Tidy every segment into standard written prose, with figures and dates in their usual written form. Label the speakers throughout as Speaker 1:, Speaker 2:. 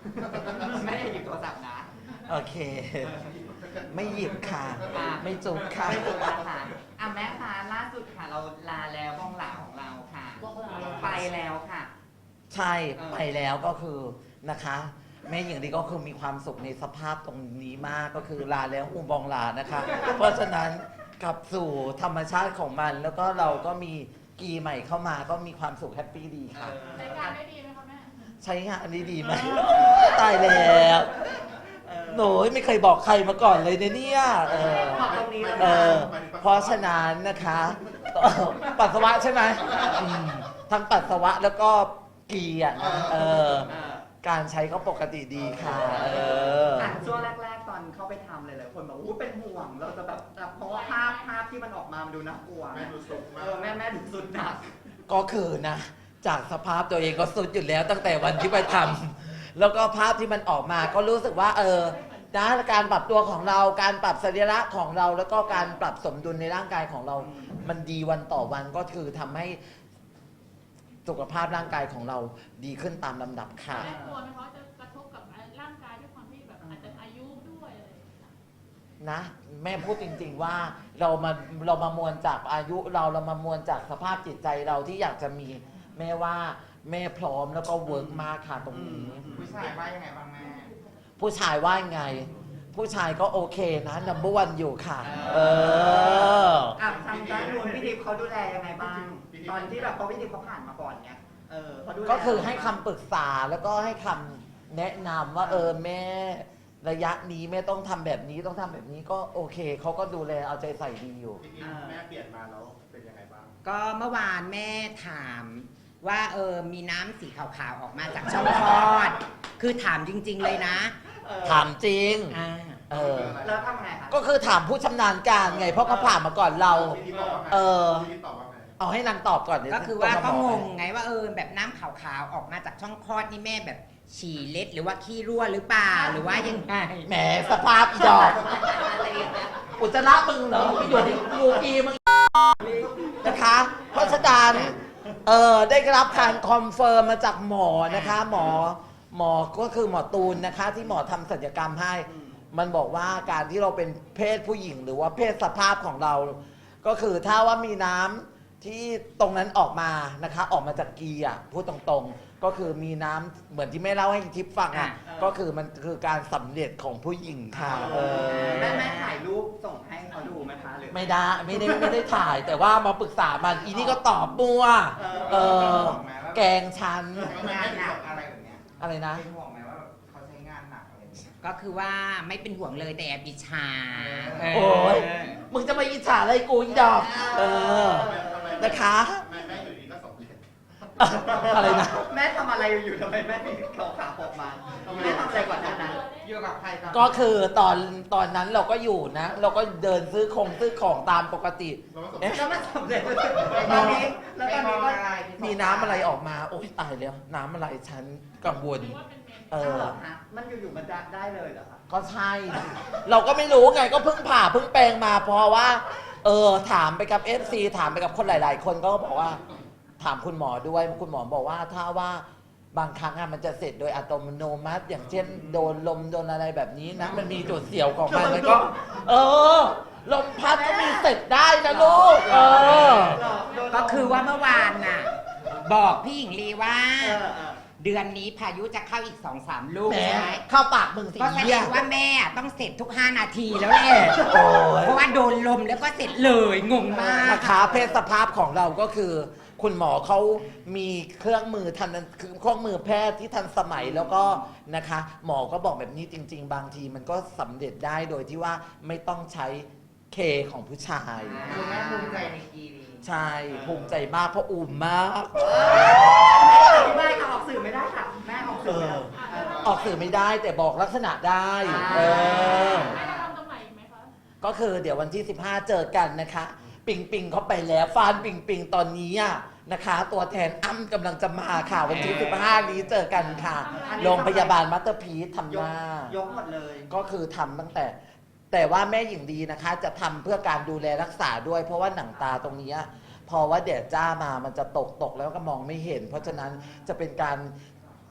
Speaker 1: แม่อย่าหยิบโทรศัพท์นะ
Speaker 2: โอเค ไม่หยิบค่ะ ไม่จุกค่ะ
Speaker 1: ไม่ถูกค่ะแม่คะล่าสุดค่ะเราลาแล้วบ้องหลาของเราค่ะไปแล้วค่ะ
Speaker 2: ใช่ไปแล้วก็คือนะคะ แม่หญิงดีก็คือมีความสุขในสภาพตรงนี้มากก็คือลาแล้วอุบองลานะคะ เพราะฉะนั้นกลับสู่ธรรมชาติของมัน แล้วก็เราก็มีกีใหม่เข้ามาก็มีความสุขแฮปปี้ดีค่ะ
Speaker 3: ใช้งานได้ดีไหมคะแม่
Speaker 2: ใช้งานอันนี้ดีไหมตายแล้วหนูไม่เคยบอกใครมาก่อนเลยเนี่ย
Speaker 1: บอกตรงนี้เลย
Speaker 2: เพราะฉะนั้นนะคะปัสสาวะใช่ไหมทั้งปัสสาวะแล้วก็กีอ่ะการใช้ก็ปกติดีค่ะ
Speaker 1: ช่วงแรกๆตอนเข้าไปทำเลยคนบอกว่าเป็นห่วงเราจะแบบเพราะว่าภาพที่มันออกมามันดูน่ากลัวแม่ดูสุดมากแม่ดูสุดหนัก
Speaker 2: ก็คือนะจากสภาพตัวเองก็สุดอยู่แล้วตั้งแต่วันที่ไปทำแล้วก็ภาพที่มันออกมาก็รู้สึกว่านะการปรับตัวของเราการปรับสรีระของเราแล้วก็การปรับสมดุลในร่างกายของเรา มันดีวันต่อวันก็คือทำให้สุขภาพร่างกายของเราดีขึ้นตามลำดับค่ะ
Speaker 3: แม่กลัวไหมคะจะกระทบกับร่างกายด้วยความที่แบบอาจจะอายุด้วยอะไรอย่างเงี้ย
Speaker 2: นะแม่พูดจริงๆว่าเรามามวลจากอายุเรามามวลจากสภาพจิตใจเราที่อยากจะมีแม่ว่าแม่พร้อมแล้วก็เวิร์กมากค่ะตรงนี้
Speaker 1: ผู้ชายว่ายังไงบ้างแม่
Speaker 2: ผู้ชายว่าไง ผู้ชายก็โอเคนะนัมเบอร์วันอยู่ค่ะ
Speaker 1: ทางด้านนู้นพี่ดิบเขาดูแลยังไงบ้างตอนที่แบบพอพี่ดิบเขาผ่านมาก่อนเนี่ยเขาดูแล
Speaker 2: ก็คือให้คำปรึกษาแล้วก็ให้คำแนะนำว่าแม่ระยะนี้แม่ต้องทำแบบนี้ต้องทำแบบนี้ก็โอเคเขาก็ดูแลเอาใจใส่ดีอยู่
Speaker 4: แม่เปลี่ยนมาแล้วเป็นยังไงบ้าง
Speaker 5: ก็เมื่อวานแม่ถามว่ามีน้ำสีขาวๆออกมาจากช่องคลอด คือถามจริงๆเลยนะ
Speaker 2: ถามจริง
Speaker 1: แล้วทำไงคะ
Speaker 2: ก็คือถามผู้ชำนาญการไงเพราะเขาผ่านมาก่อนเรา
Speaker 4: พี่บอกว่าไงพี่ตอบว่าไง
Speaker 2: เอาให้นางตอบก่อนเดี๋ยว
Speaker 5: ก็คือว่า
Speaker 2: จะ
Speaker 5: ก็
Speaker 2: บ
Speaker 5: ง
Speaker 2: ให้
Speaker 5: งไงว่าแบบน้ำขาวๆออกมาจากช่องคลอดนี่แม่แบบฉี่เล็ดหรือว่าขี้รั่วหรือเปล่าหรือว่ายังไง
Speaker 2: แหมสภาพอีดอกอุจจาระมึงเหรอไปอยู่ที่งูกีมึงนะคะ เพราะฉะนั้นได้รับการคอนเฟิร์มมาจากหมอนะคะ หมอก็คือหมอตูนนะคะ ที่หมอทำศัลยกรรมให้ มันบอกว่าการที่เราเป็นเพศผู้หญิงหรือว่าเพศสภาพของเรา ก็คือถ้าว่ามีน้ำที่ตรงนั้นออกมานะคะ ออกมาจากกีอ่ะพูดตรงๆ ก็คือมีน้ำเหมือนที่แม่เล่าให้ทิพย์ฟังอ่ะก็คือมันคือการสำเร็จของผู้หญิงค่ะ
Speaker 1: แม่ถ่ายรูปส่งให้เขาดูไหมคะหรือ
Speaker 2: ไม่ได้ถ่ายแต่ว่ามาปรึกษามันอีนี่ก็ตอบมัวแกงฉัน
Speaker 1: งานหนักอะไรแบบเนี้ย
Speaker 2: อะไรนะ
Speaker 1: เป็นห่วงไหมว่าเขาใช้งานหนักอะไรอย่างเงี้ย
Speaker 5: ก็คือว่าไม่เป็นห่วงเลยแต่แอบอิจฉา
Speaker 2: โอ้ยมึงจะมาอิจฉาอะไรกูอีดอกนะคะ
Speaker 4: แม่อยู่ดีก็สำเร็จ
Speaker 2: อะไรนะ
Speaker 1: แม่ทำอะไรอยู่ทำไมแม่ถึงเขาขาออกมาแม่ทำอะไรก่อนหน้านั้นอยู่กับใครครับ
Speaker 2: ก็คือตอนนั้นเราก็อยู่นะ เราก็เดินซื้อของตามปกติ
Speaker 1: แล้วมันสำเร็จตอนนี้แล้วตอนนี้ก็
Speaker 2: มีน้ำอะไรออกมาโอ๊ยตายแล้วน้ำอะไรฉันกังวล
Speaker 3: หรือว่าเป็นเมน
Speaker 1: มันอยู่ๆมันได้เลยเหรอคะ
Speaker 2: ก็ใช่ เราก็ไม่รู้ไงก็เพิ่งผ่าเพิ่งแปลงมาเพราะว่าถามไปกับ FC ถามไปกับคนหลาย ๆ คนก็บอกว่าถามคุณหมอด้วยคุณหมอบอกว่าถ้าว่าบางครั้งมันจะเสร็จโดยอัตโนมัติอย่างเช่นโดนลมโดนอะไรแบบนี้นะมันมีจุดเสียวของมันแล้วก็ลมพัดก็มีเสร็จได้นะลูก
Speaker 5: ก็คือว่าเมื่อวานน่ะบอกพี่หญิงลีว่าเดือนนี้พายุจะเข้าอีก 2-3 ลูก
Speaker 2: แหม
Speaker 5: ใช่ไหม
Speaker 2: เข้าปากมึงสิ
Speaker 5: ก็แสด
Speaker 2: เหี้ย
Speaker 5: งว่าแม่ต้องเสร็จทุก 5 นาทีแล้วแหละ
Speaker 2: โอ้ย
Speaker 5: เพราะว่าโดนลมแล้วก็เสร็จเลยงงมาก
Speaker 2: นะคะเพศสภาพของเราก็คือ คุณหมอเขามีเครื่องมือคือเครื่องมือแพทย์ที่ทันสมัยแล้วก็นะคะ หมอก็บอกแบบนี้จริง ๆ บางทีมันก็สำเร็จได้โดยที่ว่าไม่ต้องใช้เคของผู้ชาย
Speaker 1: คุณแม่ภูมิใจในกีนี้
Speaker 2: ใช่ภูมิใจมากเพราะอุ่มมาก
Speaker 1: ไม่ค่ะออกสื่อไม่ได้ค่ะแม่ออกสื่อไม่ได้
Speaker 2: ออกสื่อไม่ได้แต่บอกลักษณะได้
Speaker 3: แม่จะทำตรงไหนอีกไหมคะ
Speaker 2: ก็คือเดี๋ยววันที่ 15 เจอกันนะคะ ปิงเขาไปแล้วฟานปิงตอนนี้นะคะ ตัวแทนอ้ำกำลังจะมาค่ะวันที่ 15 นี้เจอกันค่ะโรงพยาบาลมัตเตอร์พีททำหน้าย
Speaker 1: กหมดเลย
Speaker 2: ก็คือทำตั้งแต่ว่าแม่หญิงดีนะคะ จะทำเพื่อการดูแลรักษาด้วย เพราะว่าหนังตาตรงนี้พอว่าแดดจ้ามามันจะตกแล้วก็มองไม่เห็น เพราะฉะนั้นจะเป็นการ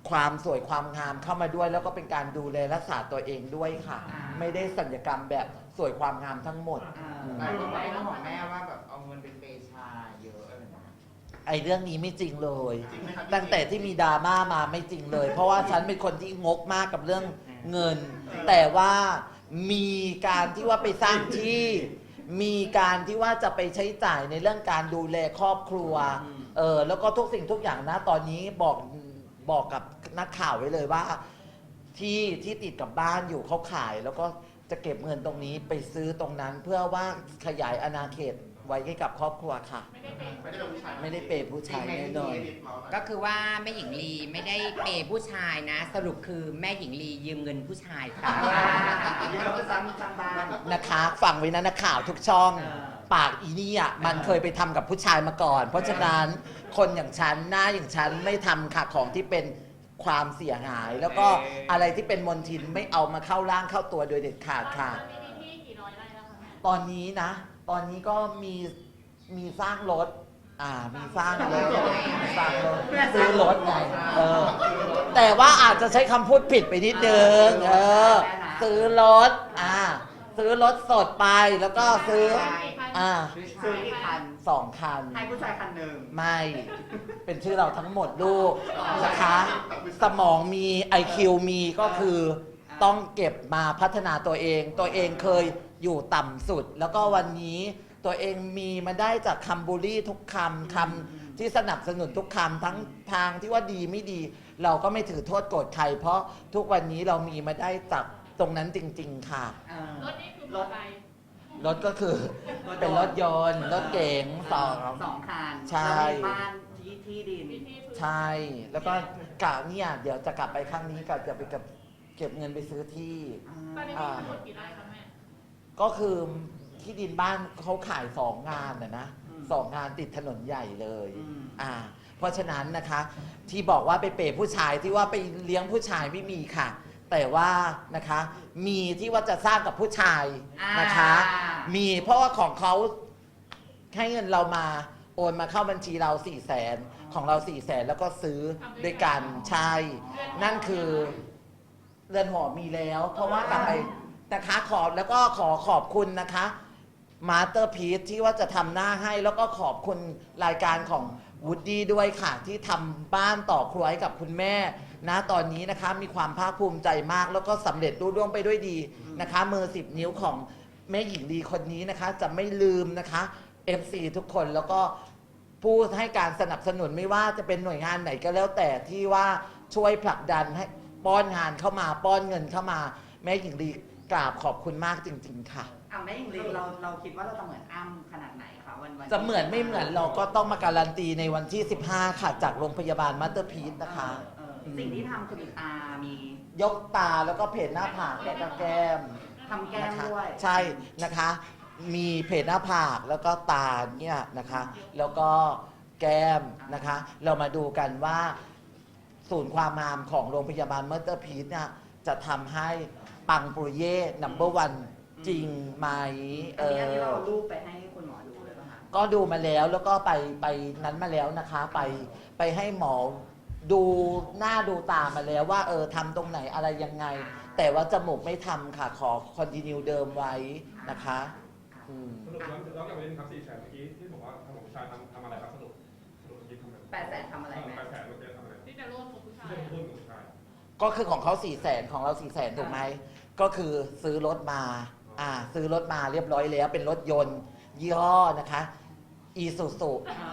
Speaker 2: ความสวยความงามเข้ามาด้วย แล้วก็เป็นการดูแลรักษาตัวเองด้วยค่ะ ไม่ได้ศัลยกรรมแบบสวยความงามทั้งหมด
Speaker 5: หลายคนบอกของแม่ว่าแบบเอาเงินเป็นเปชาเยอะอะไรอย่างเงี้ย
Speaker 2: ไอ้เรื่องนี้ไม่จริงเลย
Speaker 4: จริงไหมครับ
Speaker 2: ตั้งแต่ที่มีดราม่ามาไม่จริงเลย เพราะว่าฉันเป็นคนที่งกมากกับเรื่องเงิน แต่ว่ามีการที่ว่าไปสร้างที่ มีการที่ว่าจะไปใช้จ่ายในเรื่องการดูแลครอบครัว แล้วก็ทุกสิ่งทุกอย่างนะตอนนี้บอกกับนักข่าวไว้เลยว่าที่ติดกับบ้านอยู่เขาขาย แล้วก็จะเก็บเงินตรงนี้ไปซื้อตรงนั้น เพื่อว่าขยายอาณาเขตไว้ให้กับครอบครัวค่ะ
Speaker 3: ไม่ได้เป็น
Speaker 4: ไม่ได้เป็นผู้ชาย
Speaker 2: ไม่ได้เปย์ผู้ชายแน่นอน
Speaker 5: ก็คือว่าแม่หญิงลีไม่ได้เปย์ผู้ชายนะ สรุปคือแม่หญิงลียืมเงินผู้ชายค่ะ
Speaker 1: เยอะซ้ำบ้าน
Speaker 2: นะคะฟังไว้นะนักข่าวทุกช่อง
Speaker 1: เออ
Speaker 2: ปากอีนี่อ่ะมันเคยไปทำกับผู้ชายมาก่อน เพราะฉะนั้นคนอย่างฉันหน้าอย่างฉันไม่ทำค่ะของที่เป็นความเสียหาย แล้วก็อะไรที่เป็นมลทินไม่เอามาเข้าร่างเข้าตัวโดยเด็ดขาดค่ะ
Speaker 3: ตอนนี้มีที่กี่ร้อยไร่แล้วคะแม่
Speaker 2: ตอนนี้นะ ตอนนี้ก็มีสร้างรถ มีสร้างรถสร้างรถซื้อรถไงแต่ว่าอาจจะใช้คำพูดผิดไปนิดนึงซื้อรถซื้อรถสดไปแล้วก็ซื้อ
Speaker 1: ซื้อกี่คัน
Speaker 2: 2 คัน
Speaker 1: ให้ผู้ชายคันหนึ่ง
Speaker 2: ไม่ เป็นชื่อเราทั้งหมดลูกนะคะ สมองมี IQ มีก็คือต้องเก็บมาพัฒนาตัวเอง ตัวเองเคยอยู่ต่ำสุด แล้วก็วันนี้ตัวเองมีมาได้จากคำบูลลี่ทุกคำที่สนับสนุนทุกคำทั้งทางที่ว่าดีไม่ดี เราก็ไม่ถือโทษโกรธใคร เพราะทุกวันนี้เรามีมาได้จากตรงนั้นจริง ๆ ค่ะ
Speaker 3: รถนี่คือรถอะไร
Speaker 2: รถก็คือเป็นรถยนต์ รถเก๋งสอง
Speaker 1: คัน
Speaker 2: ใช่
Speaker 1: แล้วมีบ้านที่ดิน
Speaker 3: มีที่พื้น
Speaker 2: ใช่ แล้วก็กะเนี่ยเดี๋ยวจะกลับไปครั้งนี้กะจะไปเก็บเงินไปซื้อที่
Speaker 3: ตอนนี้มีทั้งหมดกี่ไร่คะแม่
Speaker 2: ก็คือที่ดินบ้านเขาขาย2 งานนะ2 งานติดถนนใหญ่เลยเพราะฉะนั้นนะคะที่บอกว่าไปเปย์ผู้ชายที่ว่าไปเลี้ยงผู้ชายไม่มีค่ะ แต่ว่านะคะมีที่ว่าจะสร้างกับผู้ชายนะคะ มีเพราะว่าของเขาให้เงินเรามาโอนมาเข้าบัญชีเรา400,000ของเรา400,000แล้วก็ซื้อด้วยกันใช่ นั่นคือเรือนหอมีแล้ว เพราะว่ากลับไปนะคะแล้วก็ขอบคุณนะคะมาสเตอร์พีซที่ว่าจะทำหน้าให้แล้วก็ขอบคุณรายการของวูดดี้ด้วยค่ะที่ทำบ้านต่อครัวให้กับคุณแม่นะตอนนี้นะคะมีความภาคภูมิใจมากแล้วก็สำเร็จรุ่ร่วงไปด้วยดีนะคะมือ10 นิ้วของแม่หญิงลีคนนี้นะคะจะไม่ลืมนะคะ FC ทุกคนแล้วก็ผู้ให้การสนับสนุนไม่ว่าจะเป็นหน่วยงานไหนก็แล้วแต่ที่ว่าช่วยผลักดันให้ป้อนงานเข้ามาป้อนเงินเข้ามาแม่หญิงลีกราบขอบคุณมากจริงๆค่ะ
Speaker 1: แม่หญิงลีเราคิดว่าเราจะเหมือนอ้ำขนาดไหนคะวัน
Speaker 2: จะเหมือนไม่เหมือนเราก็ต้องมาการันตีในวันที่15ค่ะจากโรงพยาบาลมาสเตอร์พีซนะคะ
Speaker 1: สิ่งที่ทำคือมีตามี
Speaker 2: ยกตาแล้วก็เพจหน้าผากแล้วก็แก้ม
Speaker 1: ทำแก้ม
Speaker 2: นะคะ
Speaker 1: ด้วย
Speaker 2: ใช่นะคะ มีเพจหน้าผากแล้วก็ตาเนี่ยนะคะ แล้วก็แก้มนะคะ เรามาดูกันว่าศูนย์ความงามของโรงพยาบาลมาสเตอร์พีซเนี่ยจะทำให้ปังปุริเย่นัมเบอร์วันจริงไหม
Speaker 1: อันนี้ที่เราเอารูปไปให้คุณหมอดูเลยป่ะคะ
Speaker 2: ก็ดูมาแล้วแล้วก็ไปนั้นมาแล้วนะคะ ไปให้หมอดูหน้าดูตามาแล้วว่าทำตรงไหนอะไรยังไง แต่ว่าจมูกไม่ทำค่ะขอคอนติเนียเดิมไว้นะคะ
Speaker 6: สรุปแล้วกลับไปเรื่องครับ400,000เมื่อกี้ที่บอกว่าทางของผู้ชายทำอะไรครับสรุปเมื่อกี้ทำอะไร
Speaker 1: 800,000ทำอะไรแม่
Speaker 6: 800,000เมื่อกี้ทำอะไร
Speaker 3: ที่จะร่วมกับผู้ชาย
Speaker 6: ที่จะร่วมกับผู้ชาย
Speaker 2: ก็คือของเขา400,000ของเรา400,000ถูกไหมก็คือซื้อรถมาซื้อรถมาเรียบร้อยแล้วเป็นรถยนต์ยี่ห้อนะคะอีซูซู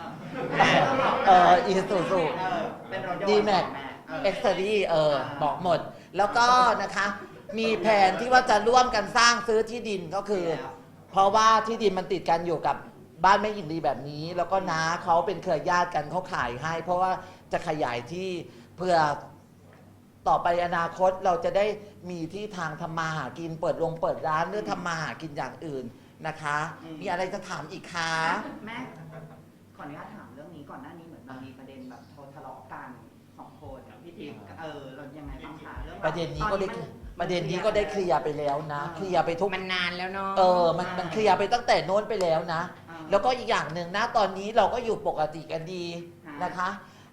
Speaker 2: อีซูซู
Speaker 1: เป็นรถยนต์
Speaker 2: ดีแม็ก
Speaker 1: แม่
Speaker 2: เอ็กซ์ตรีบอกหมด แล้วก็นะคะมีแผนที่ว่าจะร่วมกันสร้างซื้อที่ดินก็คือ เพราะว่าที่ดินมันติดกันอยู่กับบ้านแม่หญิงลีแบบนี้ แล้วก็น้าเขาเป็นเครือญาติกันเขาขายให้ เพราะว่าจะขยายที่เพื่อต่อไปอนาคตเราจะได้มีที่ทางทำมาหากินเปิดร้านหรือทำมาหากินอย่างอื่นนะคะ มีอะไรจะถามอีกคะ
Speaker 1: แม่ขออนุญาตถามเรื่องนี้ก่อนหน้านี้เหมือนมันมีประเด็นแบบทะเลาะกัน2 คนพี่ทิพย์เรายังไงบ้างคะเรื่อง
Speaker 2: ประเด็นนี้ก็ได้เคลียร์ไปแล้วนะเคลียร์ไปทุก
Speaker 5: มันนานแล้วเนาะ
Speaker 2: มันเคลียร์ไปตั้งแต่โน้นไปแล้วนะ แล้วก็อีกอย่างหนึ่งนะตอนนี้เราก็อยู่ปกติกันดีนะคะ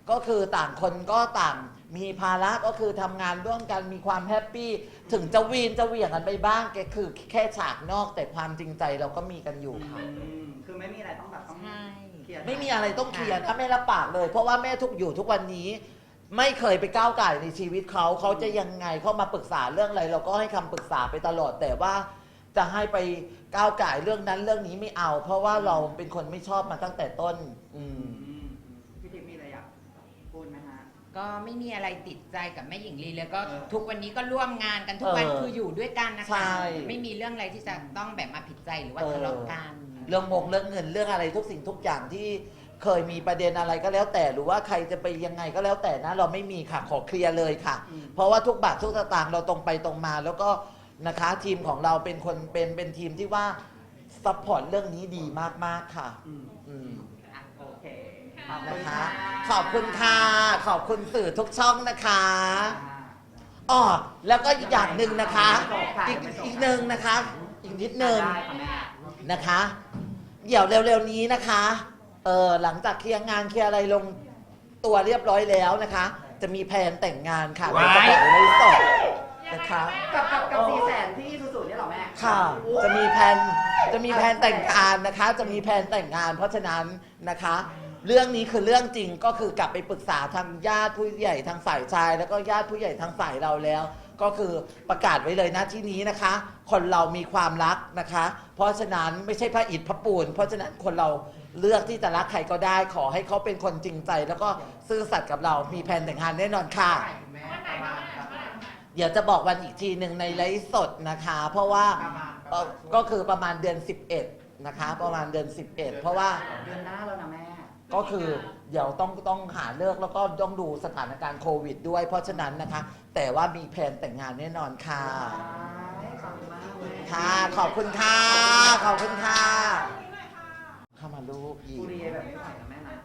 Speaker 2: ก็คือต่างคนก็ต่างมีภาระก็คือทำงานร่วมกันมีความแฮปปี้ถึงจะวีนจะเหวี่ยงกันไปบ้างแกคือแค่ฉากนอกแต่ความจริงใจเราก็มีกันอยู่ค่ะ
Speaker 1: คือไม่มีอะไรต้องแบบต้อง
Speaker 5: ใช่
Speaker 1: เคลียร์
Speaker 2: ไม่มีอะไรต้องเคลียร์ถ้าแม่รับปากเลย เพราะว่าแม่ทุกวันนี้ ไม่เคยไปก้าวไก่ในชีวิตเขาจะยังไงเข้ามาปรึกษาเรื่องอะไร เราก็ให้คำปรึกษาไปตลอดแต่ว่าจะให้ไปก้าวไก่เรื่องนั้นเรื่องนี้ไม่เอา เพราะว่าเราเป็นคนไม่ชอบมาตั้งแต่ต้น
Speaker 1: พี่ทิพย์มีอะไรอยากพูดไหมฮะ
Speaker 5: ก็ไม่มีอะไรติดใจกับแม่หญิงลีเลยก็ทุกวันนี้ก็ร่วมงานกันทุกวัน คืออยู่ด้วยกันนะ
Speaker 2: ใช่
Speaker 5: คะไม่มีเรื่องอะไรที่จะต้องแบบมาผิดใจหรือว่าทะเลาะกัน
Speaker 2: เรื่องเรื่องเงินเรื่องอะไรทุกสิ่งทุกอย่างที่เคยมีประเด็นอะไรก็แล้วแต่หรือว่าใครจะไปยังไงก็แล้วแต่นะเราไม่มีค่ะขอเคลียร์เลยค่ะ เพราะว่าทุกบาททุกสตางค์เราตรงไปตรงมา แล้วก็นะคะทีมของเราเป็นคนเป็นทีมที่ว่าซัพพอร์ตเรื่องนี้ดีมากๆค่ะ
Speaker 1: โอเค
Speaker 2: นะคะ ขอบคุณค่ะขอบคุณสื่อทุกช่องนะคะอ๋อแล้วก็อีกอย่างหนึ่งนะคะอีกหนึ่งนะคะ อีกนิดนึง
Speaker 1: ได้ค่ะแม่
Speaker 2: นะคะ เดี๋ยวเร็วๆนี้นะคะหลังจากเคลียร์งานเคลียร์อะไรลงตัวเรียบร้อยแล้วนะคะ จะมีแผนแต่งงานค่ะ
Speaker 5: ว้าย
Speaker 2: ในกระเป๋าในสดนะคะ
Speaker 1: กับ400,000ที่สุดๆเนี่ยเหรอแม่
Speaker 2: ค่ะจะมีแผนแต่งงานนะคะ จะมีแผนแต่งงาน เพราะฉะนั้นนะคะ เรื่องนี้คือเรื่องจริงก็คือกลับไปปรึกษาทางญาติผู้ใหญ่ทางฝ่ายชาย แล้วก็ญาติผู้ใหญ่ทางฝ่ายเราแล้ว ก็คือประกาศไว้เลยนะที่นี้นะคะ คนเรามีความรักนะคะ เพราะฉะนั้นไม่ใช่พระอิฐพระปูนเพราะฉะนั้นคนเราเลือกที่จะรักใครก็ได้ ขอให้เขาเป็นคนจริงใจ แล้วก็ซื่อสัตย์กับเรามีแผนแต่งงานแน่นอนค่ะ เดี๋ยวจะบอกวันอีกทีหนึ่งในไลฟ์สดนะคะ เพราะว่าก็คือประมาณเดือน 11 นะคะ ประมาณเดือน 11 เพราะว่า
Speaker 1: เดือนหน้าแล้วนะแม่
Speaker 2: ก็คือเดี๋ยวต้องหาเลิกแล้วก็ต้องดูสถานการณ์โควิดด้วย เพราะฉะนั้นนะคะ แต่ว่ามีแผนแต่งงานแน่นอนค่ะ
Speaker 1: ขอบคุณมากเลย
Speaker 2: ค่ะขอบคุณค่ะขอบคุณค่ะเข้ามาลูกอี
Speaker 1: บุ
Speaker 2: ก
Speaker 1: รีแบบไม่ไหวนะแม่นะ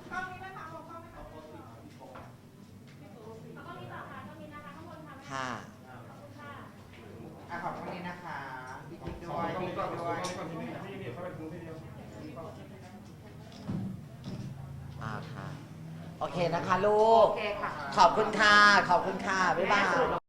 Speaker 2: ค่ะ
Speaker 5: ขอบคุณนะคะพี่กิ๊กด้
Speaker 6: ข
Speaker 5: ว
Speaker 6: อย
Speaker 5: พี่
Speaker 6: ก่อน
Speaker 5: กิ๊ก
Speaker 6: ก่อน
Speaker 5: ด้วย
Speaker 6: ก่อนทีนึงนี่เข้าไปทีเดียว
Speaker 2: ค่ะ โอเคนะคะลูก
Speaker 1: โอเคค่ะ
Speaker 2: ขอบคุณค่ะ ขอบคุณค่ะ บ๊ายบาย